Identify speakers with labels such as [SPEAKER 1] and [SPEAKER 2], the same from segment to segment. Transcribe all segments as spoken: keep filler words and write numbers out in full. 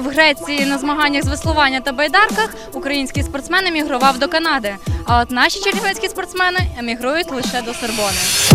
[SPEAKER 1] в Греції на змаганнях з веслування та байдарках, український спортсмен емігрував до Канади. А от наші чернівецькі спортсмени емігрують лише до Сорбони.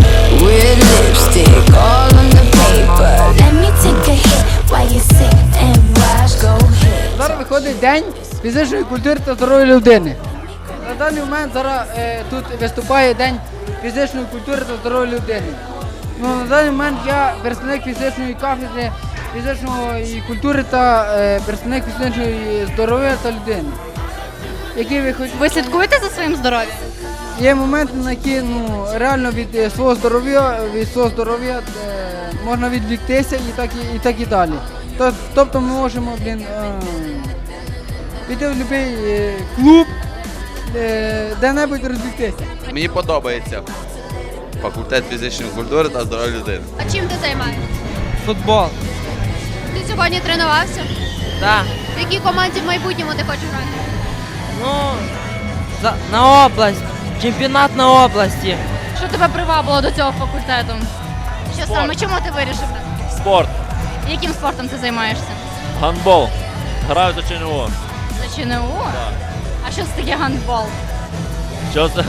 [SPEAKER 2] Зараз виходить День фізичної культури та здоров'я людини. На даний момент зараз е, тут виступає День фізичної культури та здоров'я людини. Ну, на даний момент я представник фізичної кафедри фізичної культури та е, представник фізичної здоров'я та людини. Які ви, хоч...
[SPEAKER 1] Ви слідкуєте за своїм здоров'ям?
[SPEAKER 2] Є моменти, на які ну, реально від е, свого здоров'я від свого здоров'я е, можна відвіктися і так і, і так і далі. Тобто ми можемо, блін, е, піти в будь-який клуб, е, де-небудь розвіктися.
[SPEAKER 3] Мені подобається факультет фізичної культури та здоров'я людини.
[SPEAKER 4] А чим ти займаєшся?
[SPEAKER 5] Футбол.
[SPEAKER 4] Ти сьогодні тренувався?
[SPEAKER 5] Так.
[SPEAKER 4] В якій команді в майбутньому ти хочеш грати?
[SPEAKER 5] Ну, за, на область. Чемпіонат на області.
[SPEAKER 1] Що тебе привабило до цього факультету? Що
[SPEAKER 6] Спорт.
[SPEAKER 1] саме? Чому ти вирішив?
[SPEAKER 6] Спорт,
[SPEAKER 1] Яким спортом ти займаєшся?
[SPEAKER 6] гандбол. Граю за ЧНУ.
[SPEAKER 1] За ЧНУ?
[SPEAKER 6] Так.
[SPEAKER 1] А що це таке гандбол?
[SPEAKER 6] Що це?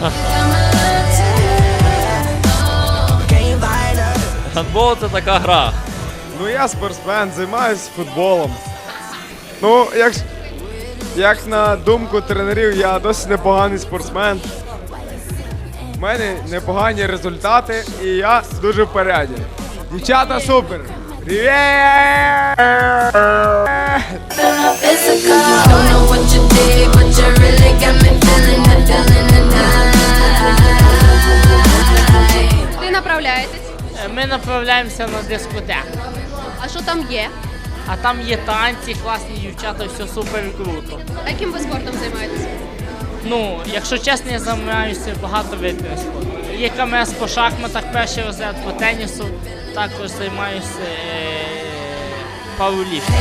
[SPEAKER 6] Гандбол – це така гра.
[SPEAKER 7] Ну я спортсмен, займаюся футболом. Ну, як, як на думку тренерів, я досить непоганий спортсмен. У мене непогані результати і я дуже в поряді. Дівчата супер! Привіт!
[SPEAKER 4] Ти направляєтесь?
[SPEAKER 5] Ми направляємося на дискотеку.
[SPEAKER 4] А що там є?
[SPEAKER 5] А там є танці, класні дівчата, все супер круто.
[SPEAKER 4] А яким ви спортом займаєтесь?
[SPEAKER 5] Ну, якщо чесно, я займаюся багато видів спорту. Є КМС по шахматах, перший розряд по тенісу, також займаюся е- пауерліфтингом.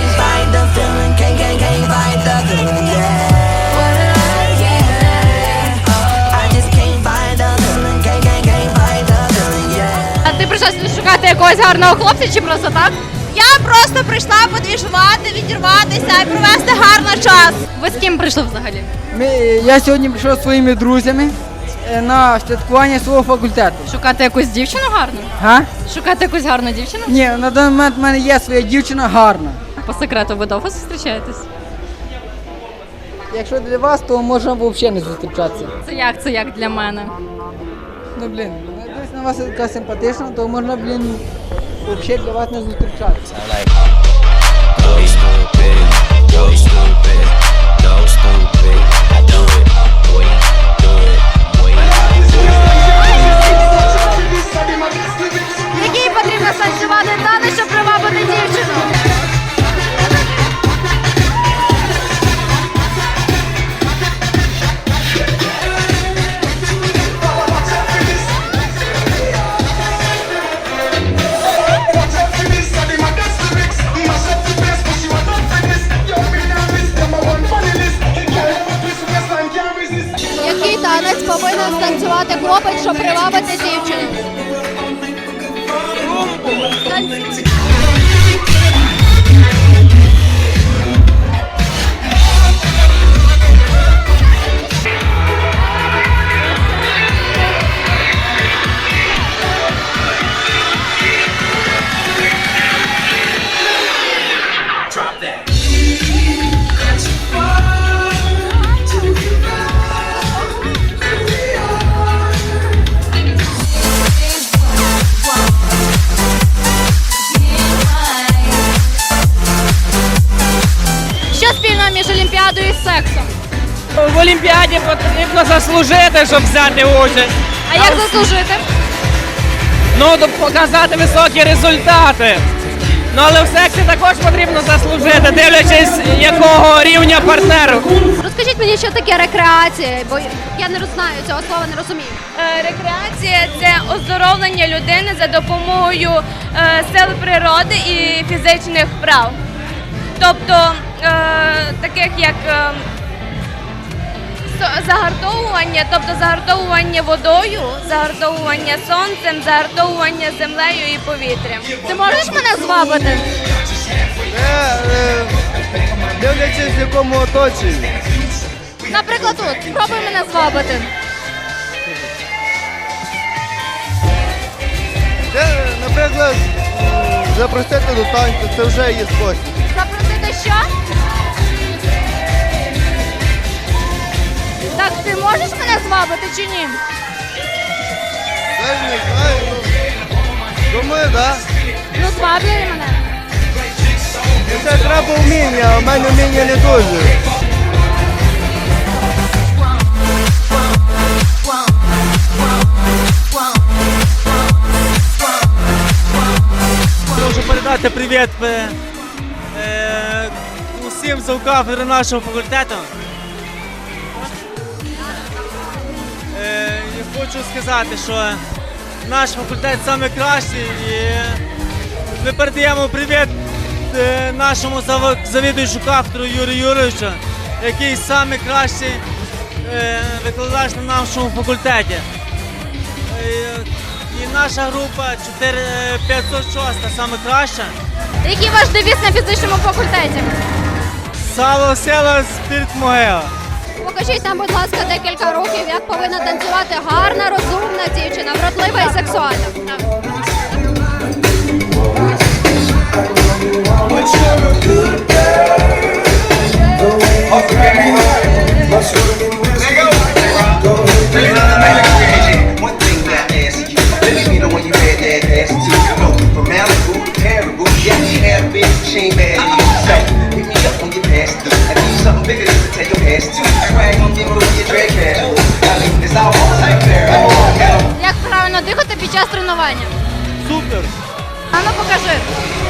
[SPEAKER 1] А ти прийшла сюди шукати якогось гарного хлопця чи просто так?
[SPEAKER 8] Я просто прийшла подвіжувати, відірватися і провести гарний час.
[SPEAKER 1] Ви з ким прийшли взагалі?
[SPEAKER 2] Ми, я сьогодні прийшов зі своїми друзями е, на святкування свого факультету.
[SPEAKER 1] Шукати якусь дівчину гарну?
[SPEAKER 2] Га?
[SPEAKER 1] Шукати якусь гарну дівчину?
[SPEAKER 2] Ні, на даний момент в мене є своя дівчина гарна.
[SPEAKER 1] По секрету, ви довго зустрічаєтесь?
[SPEAKER 2] Якщо для вас, то можна взагалі не зустрічатися.
[SPEAKER 1] Це як, це як для мене?
[SPEAKER 2] Ну, блін, дивись на вас така симпатична, то можна, блін, взагалі для вас не зустрічатися.
[SPEAKER 4] Який потрібно станцювати танець, щоб привабити дівчину? Який танець повинен станцювати хлопець, щоб привабити дівчину? Танцюй.
[SPEAKER 1] Що спільного між Олімпіадою і сексом?
[SPEAKER 5] В Олімпіаді потрібно заслужити, щоб взяти участь.
[SPEAKER 1] А як заслужити?
[SPEAKER 5] Ну, показати високі результати. Ну, але в сексі також потрібно заслужити, дивлячись, якого рівня партнеру.
[SPEAKER 4] Розкажіть мені, що таке рекреація, бо я не знаю цього слова, не розумію.
[SPEAKER 8] Рекреація – це оздоровлення людини за допомогою е, сил природи і фізичних вправ. Тобто, е, таких як е, со- загартовування, тобто загартовування водою, загартовування сонцем, загартовування землею і повітрям.
[SPEAKER 1] Ти можеш мене звабити?
[SPEAKER 2] Е, е,
[SPEAKER 7] близькому оточенні.
[SPEAKER 1] Наприклад, тут. Спробуй мене звабити.
[SPEAKER 7] Це, наприклад, запросити до танцю, це вже є спосіб.
[SPEAKER 1] Запросити що? Так, ти можеш мене звабити чи ні?
[SPEAKER 7] Я не знаю, ну, думаю, так.
[SPEAKER 1] Ну, зваблюй мене.
[SPEAKER 7] Да. Це треба вміння, а в мене вміння не дуже.
[SPEAKER 9] Хочу передати привіт е, е, усім завкафедри нашого факультету. Е, і хочу сказати, що наш факультет найкращий і ми передаємо привіт е, нашому зав- завідуючому кафедру Юрію Юрійовичу, який найкращий е, викладач на нашому факультеті. Е, І наша група чотири п'ятсот шість саме краща.
[SPEAKER 1] Який ваш девіз на фізичному факультеті?
[SPEAKER 9] Сало, сила, спірт, могила.
[SPEAKER 4] Покажіть нам, будь ласка, декілька років, як повинна танцювати гарна, розумна дівчина, вродлива і сексуальна.
[SPEAKER 1] Як правильно дихати під час тренування?
[SPEAKER 9] Супер!
[SPEAKER 1] А ну покажи.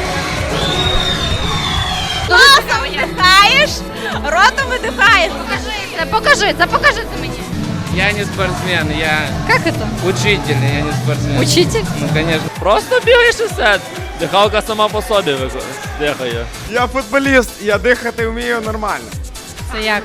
[SPEAKER 8] Носом вдихаєш, ротом видихаєш.
[SPEAKER 1] Покажи це, покажи це, покажи це мені.
[SPEAKER 10] Я не спортсмен, я
[SPEAKER 1] Як це?
[SPEAKER 10] учитель, я не спортсмен.
[SPEAKER 1] Учитель?
[SPEAKER 10] Ну, конечно.
[SPEAKER 6] Просто бігаєш і все. Дихалка сама по собі вик- дихає.
[SPEAKER 7] Я футболіст, я дихати вмію нормально.
[SPEAKER 1] Це як?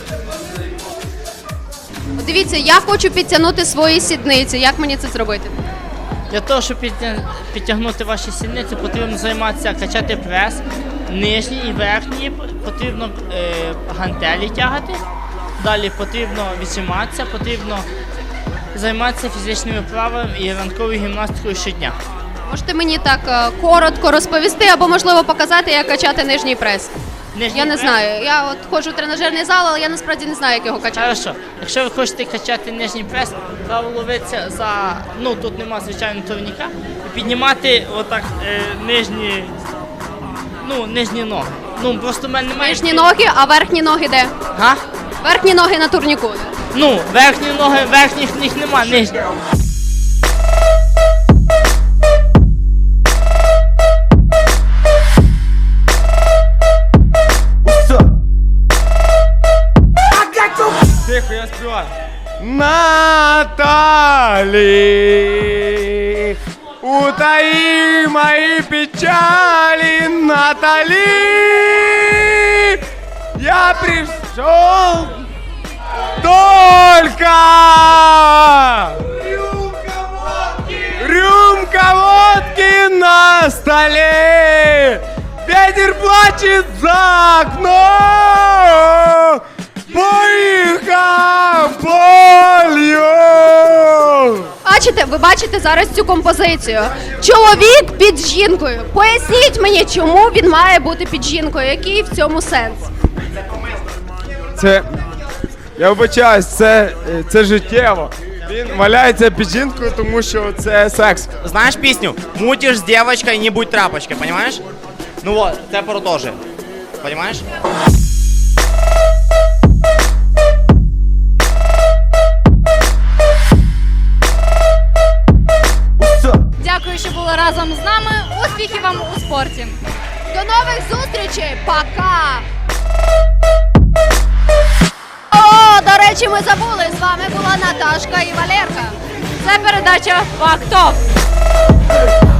[SPEAKER 4] Дивіться, я хочу підтягнути свої сідниці. Як мені це зробити?
[SPEAKER 5] Для того, щоб підтя- підтягнути ваші сідниці, потрібно займатися, качати прес, нижній і верхній, потрібно е, гантелі тягати. Далі потрібно віджиматися, потрібно займатися фізичними вправами і ранковою гімнастикою щодня.
[SPEAKER 4] Можете мені так е, коротко розповісти або, можливо, показати, як качати нижній прес?
[SPEAKER 5] Нижній
[SPEAKER 4] Я не
[SPEAKER 5] прес-
[SPEAKER 4] знаю. Я от ходжу в тренажерний зал, але я насправді не знаю, як його качати.
[SPEAKER 5] Хорошо. Якщо ви хочете качати нижній прес, треба ловитися за, ну тут нема звичайного турніка, і піднімати отак е, нижні, ну, нижні ноги. Ну, просто в мене немає.
[SPEAKER 4] Нижні ноги, а верхні ноги де?
[SPEAKER 5] Га?
[SPEAKER 4] Верхні ноги на турніку.
[SPEAKER 5] Ну, верхні ноги, верхніх ніг нема, нижні.
[SPEAKER 9] Тихо, я співаю.
[SPEAKER 7] Наталі, утаи мои печали, Натали, я пришел только рюмка водки на столе, ветер плачет за окном, поїхав полю.
[SPEAKER 4] Бачите, ви бачите зараз цю композицію. Чоловік під жінкою. Поясніть мені, чому він має бути під жінкою? Який в цьому сенс?
[SPEAKER 7] Це, я вибачаюсь, це, це життєво. Він валяється під жінкою, тому що це секс.
[SPEAKER 11] Знаешь песню? Мутишь с девочкой, не будь тряпочкой, понимаешь? Ну вот, это продолжи. Понимаешь?
[SPEAKER 1] Дякую, що були разом з нами. Успіхів вам у спорті.
[SPEAKER 4] До нових зустрічей! Пока! О, до речі, ми забули. З вами була Наташка і Валерка.
[SPEAKER 1] Це передача «Фактов».